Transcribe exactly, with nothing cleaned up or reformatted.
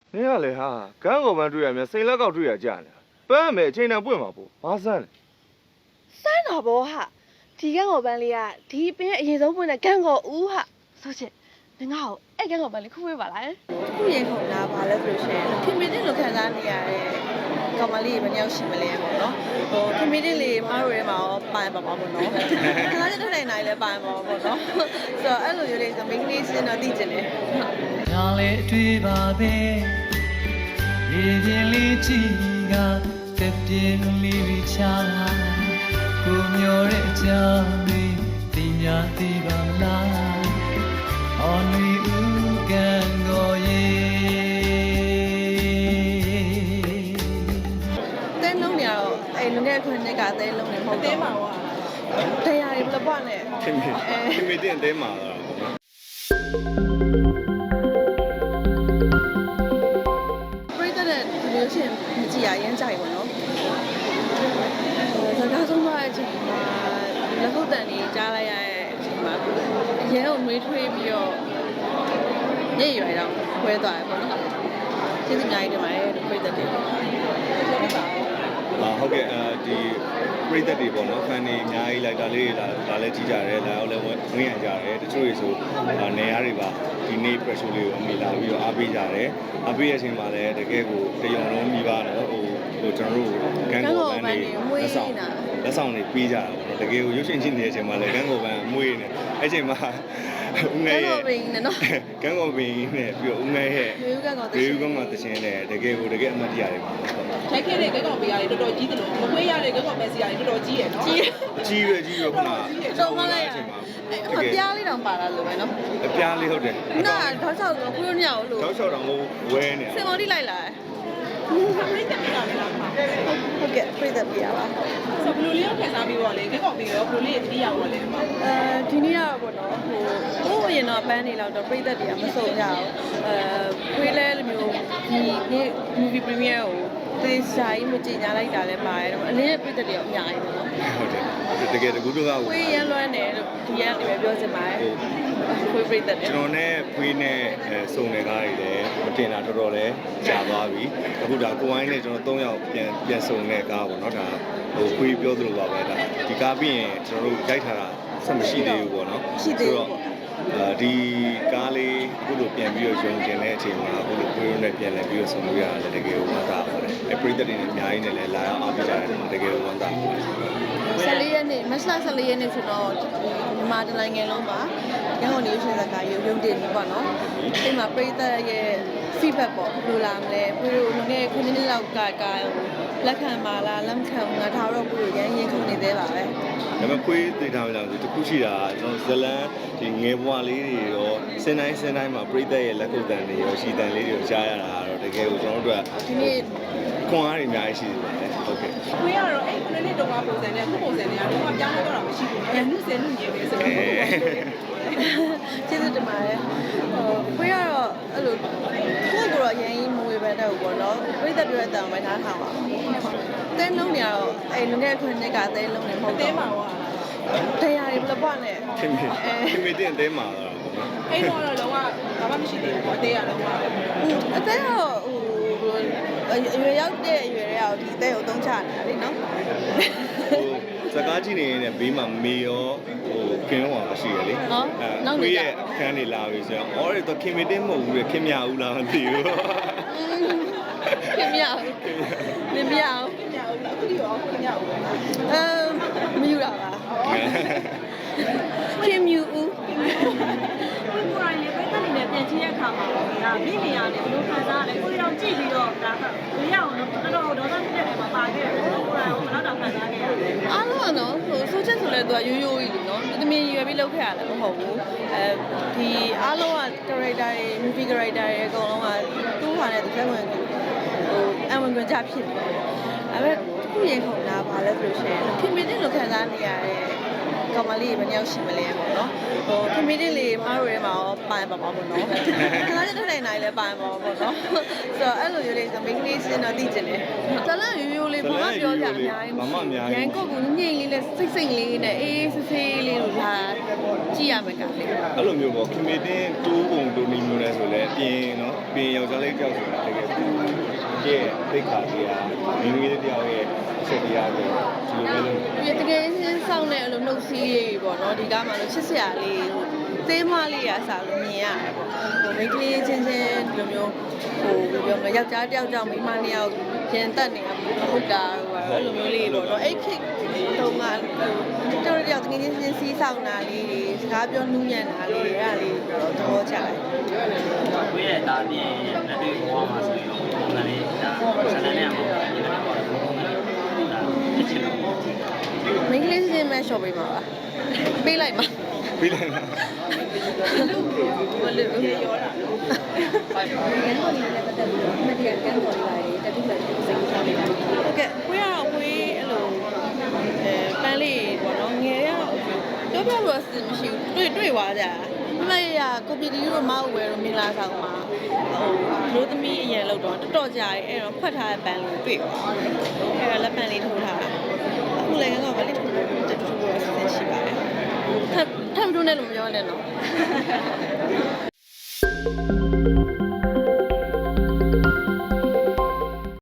နင်ကလေဟာကန်းကော်ပန်းတွေ့ရမြစိန်လက်ကောက်တွေ့ရကြနေပန်းမယ်အချိန်တန်ပွင့်မှာပေါ့ဘာစမ်းလဲစမ်းတော့ဘောဟာဒီကန်းကော်ပန်းလေးကဒီပင်အရင်ဆုံးပွင့်တဲ့ကန်းကော်ဦးဟာဆိုချင်ငါ့ကိုအဲ့ကန်းကော်ပန်းလေးခုဝေးပါလားခုရင်ခုန်တာဘာလဲဆိုရှင်ခင်မင်းတင်လိုခံစားနေရတဲ့ကောင်မလေးဘယ်နှယောက်ရှိမလဲပေါ့နော်ဟိုခင်မင်းတင်လေးမတို့ရဲမှာရောပိုင်ပါပါပေါ့နော်ခဏချက်ထိုင်နိုင်လဲပိုင်ပါပေါ့နော်ဆိုတော့အဲ့လိုမျိုးလေးဆိုမိန်းကလေးစင်တော့သိကျင်တယ်ညာလေအတွေ့ပါပဲရေပြင်းလေးချီကတက်ပြင်းလေးချာကိုမျောတဲ့အကြောင်းလေးသိများသိပါမလားအော်လူဦးကန်ကိုရေတဲလုံးနေတော့အဲ့လူငယ်ခွန်းကတဲလုံးနေမဟုတ်တဲမှာဟောတရားရီဘလပွားနဲ့ခင်မင်းခင်မင်းတင်တဲမှာတော့ပေါ့နော်ပြိတ္တတဲ့ဒီလိုချင်းမကြည့်ရရင်ကြိုက်ပါနော်စကားဆုံးသွားတဲ့အချိန်မှာလက်ခုပ်တန်ကြီးကြားလိုက်ရတဲ့အချိန်မှာရဲကိုနှွေးထွေးပြီးတော့ညရွယ်တော့ခွဲသွားတယ်ပေါ့နော်ကျေးဇူးအများကြီးတင်ပါတယ်ပြိတ္တတဲ့အာဟုတ်ကဲ့အဲဒီပရိသတ်တွေပေါ့နော်ဖန်နေအများကြီးလိုက်တာလေးလာလာလဲကြည့်ကြတယ်လာရောက်လဲဝင်ရကြတယ်တချို့တွေဆိုနေရာတွေပါဒီနေ့ pressure လေးကိုအမိလာပြီးတော့အားပေးကြတယ်အားပေးတဲ့အချိန်မှာလည်းတကယ်ကိုတရုံလုံးမိပါတော့ဟိုဟိုကျွန်တော်တို့ကန်းကော်ပန်းတွေလက်ဆောင်လက်ဆောင်တွေပေးကြတာပေါ့နော်တကယ်ကိုရုပ်ရှင်ချင်းနေတဲ့အချိန်မှာလည်းကန်းကော်ပန်းအမွေးနေအဲ့ချိန်မှာဦးငယ်ရဲ့ကန်းကော်ပန်းနဲ့ပြီးတော့ဦးငယ်ရဲ့ရေဦးကန်းကော်ရေဦးကန်းကော်တခြင်းနဲ့တကယ်ကိုတကယ်အမှတ်တရတွေပါထိုက်ခဲ့တဲ့ကန်းကော်ပန်းရတယ်တော်တော်ကြီးတယ်လို့မခွေးရတဲ့ကန်းကော်ပန်းစီရတယ်တော်တော်ကြီးရယ်နော်ကြီးကြီးပဲကြီးပဲခုနတော့မလိုက်အချိန်မှာအပြားလေးတောင်ပါလာလို့ပဲနော်အပြားလေးဟုတ်တယ်နာထောက်ချောက်တော့ခွေးညောက်လို့ထောက်ချောက်တော့ဝဲနေစင်မော်တိလိုက်လာပြိတ္တပြရမယ်လားဟုတ်ကဲ့ပြိတ္တပြရပါဆိုဘယ်လိုလေးရောက်ခံစားပြီးတော့လေကန်းကော်ပန်းရောဘယ်လိုလေးတတိယရောလဲအဲဒီနေ့ကတော့ပေါ့နော်ဟိုဟိုအရင်တော့ပန်းနေလောက်တော့ပြိတ္တတွေကမစုံကြဘူးအဲခွေးလဲလိုမျိုးဒီနေ့ movie premiere ကိုသေချာကြီးမကြင်ညာလိုက်တာလည်းပါတယ်တော့အလင်းပြိတ္တတွေအများကြီးပဲနော်ဟုတ်တယ်တကယ်တကူတော့ခွေးရမ်းလွမ်းတယ်လို့ဒီကနေပဲပြောချင်ပါတယ်ခွေးပြိတ္တတွေကျွန်တော်နဲ့ခွေးနဲ့စုံနေကားတွေလည်းမတင်တာတော်တော်လေးကြာသွားပြီအခုဒါကိုဝိုင်းနဲ့ကျွန်တော်၃ယောက်ပြန်ပြန်စုံတဲ့ကားပေါ့နော်ဒါဟိုခွေးပြောသလိုပါပဲဒါဒီကားပြီးရင်ကျွန်တော်တို့ရိုက်ထားတာဆက်မရှိသေးဘူးပေါ့နော်ရှိသေးတော့ဒီကားလေးအခုလိုပြန်ပြီးတော့ယုံကျင်တဲ့အချိန်မှာအခုလိုခွေးရုံးနဲ့ပြန်လဲပြီးတော့ဆုံလို့ရတယ်တကယ်ဝမ်းသာပါတယ်အဲပရိသတ်တွေနဲ့အများကြီးနဲ့လည်းလာရောက်အားပေးကြတယ်တကယ်ဝမ်းသာပါတယ်ဆယ်လေးရက်နေ့မတ်လဆယ်လေးရက်နေ့ဆိုတော့မြန်မာတိုင်းနိုင်ငံလုံးမှာရန်ကုန်နေရှင်စကားရုံရုံတင်ပြီပေါ့နော်အဲ့မှာပရိသတ်ရဲ့ feedback ပေါ့ဘယ်လိုလာမလဲကိုတို့ငယ်ခုနှစ်လောက်ကကလက်ခံပါလားလက်ခံငါထားတော့ကိုတို့ရန်ရင်ခုနေသေးပါပဲဒါပေမဲ့ခွေးသိထားကြလို့တခုရှိတာကျွန်တော်ဇလန်ဒီငယ်ဘွားလေးတွေရောစင်တိုင်းစင်တိုင်းမှာပရိသတ်ရဲ့လက်ခုပ်တန်တွေရောရှီတန်လေးတွေရောကြားရတာတော့တကယ်ကိုကျွန်တော်တို့ကဒီနေ့ခွန်အားတွေအများကြီးရှိနေပါတယ်ဟုတ်ကဲ့ခွေးရတော့အဲ့ခုနှစ်တုန်းကပုံစံနဲ့ခုပုံစံနဲ့ကတော့ပြောင်းလဲတော့တာမရှိဘူး။ညှုစဲညှုရည်ပဲဆိုတော့ကျေးဇူးတင်ပါတယ်ဟိုခွေးရတော့အဲ့လိုကိုယ့်ကိုယ်တော့ရန်ကြီးမဝေဘဲတဲ့ဘူးပေါ့နော်ပြိတ္တပြောတဲ့အတန်ပဲထားထားပါတဲလုံးနေတော့အဲ့လူငယ်ခွန်းကတဲလုံးနေမဟုတ်တဲမှာဟောတရားရီဘလပွားနဲ့ခင်မင်းခင်မင်းတင်တဲမှာတော့အဲ့တော့တော့လုံးဝဘာမှမရှိသေးဘူးပေါ့တဲရလုံးဝအတဲတော့ဟိုအရွယ်ရောက်တဲ့အရွယ်တွေကဒီတဲကိုသုံးချနေတာလေနော်ဟိုစကားကြည့်နေရင်ဘေးမှာမေရောဟိုကင်းရောရှိရလေအဲကိုရဲ့အခန်းတွေလာပြီဆိုတော့အော်တော့ခင်မင်းတင်မဟုတ်ဘူးလေခင်မြဦးလားမသိဘူးခင်မြဦးခင်မြဦးခင်မြဦးအခုဒီရောခင်မြဦးအဲမယူတာပါခင်မြဦးကိုကိုရိုင်းလေးပဲတက်နေတဲ့ပြန်ချင်းရခါမှာဒါမိနေရလေဘလို့ခံစားရလဲကိုရောကြည့်ပြီးတော့ဒါကကိုရအောင်တော့တော်တော်ဒေါသဖြစ်တဲ့နေရာမှာပါခဲ့တယ်ကိုကိုရိုင်းကိုဘယ်တော့ခံစားခဲ့ရလဲအားလုံးကနော်ဟိုဆိုချက်ဆိုလဲသူကရိုးရိုးကြီးလေနော်တမင်ရွယ်ပြီးလုပ်ခဲ့ရတယ်မဟုတ်ဘူးအဲဒီအားလုံးက character တွေ movie character တွေအကုန်လုံးကသူ့ဟာနဲ့တစ်ဖက်ဝင်ဟိုအဝင်ကြဖြစ်တယ်အဲ့ဒါခုရင်ခုန်တာဘာလဲဆိုရှင်ခင်မင်းတင်လိုခံစားနေရတဲ့ကောင်မလေးဘယ်နှယောက်ရှိမလဲပေါ့နော်ဟိုခင်မင်းတင်လေးမတို့ရဲမှာရောပိုင်ပါပါပေါ့နော်ခဏချက်ထိုင်နိုင်လဲပိုင်ပါပါပေါ့နော်ဆိုတော့အဲ့လိုမျိုးလေးဆိုမိန်းကလေးစင်တော့သိကျင်တယ်ဇလန်ရိုးရိုးလေးဘာမှပြောကြအများကြီးဘာမှအများကြီးရန်ကိုကငိမ့်လေးနဲ့စိတ်စိတ်လေးနဲ့အေးဆေးဆေးလေးလို့လာကြည့်ရမယ်ကလေးအဲ့လိုမျိုးပေါ့ခင်မင်းတင်တိုးပုံတိုးနေမျိုးလဲဆိုလဲပြင်နော်ပြင်ယောက်ျားလေးကြောက်ဆိုတာတကယ်ရဲ့သိခါကြီးကမိမိလေးတယောက်ရဲ့အချက်တရားကိုဒီလိုမျိုးလုပ်ဒီတကယ်ချင်းစောင့်တဲ့အလိုနှုတ်စီးရေးပေါ့နော်ဒီကားမှာလို့ချစ်စရာလေးဟိုသေးမလေးရစားလို့မြင်ရတယ်ပေါ့ဟိုမိန်းကလေးချင်းချင်းဒီလိုမျိုးဟိုဘယ်ပြောမလဲယောက်ျားတယောက်ကြောင့်မိန်းမနှစ်ယောက်ပြန်တက်နေတာဟုတ်တာဟိုအဲ့လိုမျိုးလေးပေါ့နော်အဲ့ခေတ်တုန်းကဟိုတော်တော်တယောက်တကယ်ချင်းချင်းစီးဆောင်တာလေးတွေစကားပြောနှူးညံ့တာလေးအဲ့ဒါလေးတော့သဘောကျတယ်ဝေးတဲ့သားပြင်လက်တွေ့ဘဝမှာဆိုရင်ပုံစံလေးဒါဆန္ဒနဲ့မှာဒီလိုပေါ့ဒါဖြစ်ချင်တော့မိန်းကလေးချင်းမဲ့ရှော့ပေးမှာပါပေးလိုက်ပါပြီးလိုက်လားဘယ်လိုလဲရောတာဟုတ်ကဲ့ကိုရတော့ကိုယ်အဲ့လိုအဲပန်းလေးပေါ့နော်ငယ်ရတော့ပြောပြလို့အစမရှိဘူးတွေ့တွေ့သွားကြမမရကိုပီတီတို့မဟုတ်ဝဲတော့မင်္ဂလာဆောင်မှာဟိုလူသမီးအရင်လောက်တော့တော်တော်ကြာရဲ့အဲ့တော့ဖွက်ထားတဲ့ပန်းလေးတွေ့သွားအဲ့ဒါလက်ပန်းလေးထိုးထားတာအခုလည်းကတော့ဗလေးထိုးလို့တူတူတော့ဆက်ရှိပါတယ်ထပ်ထပ်မထိုးနဲ့လို့မပြောနဲ့နော်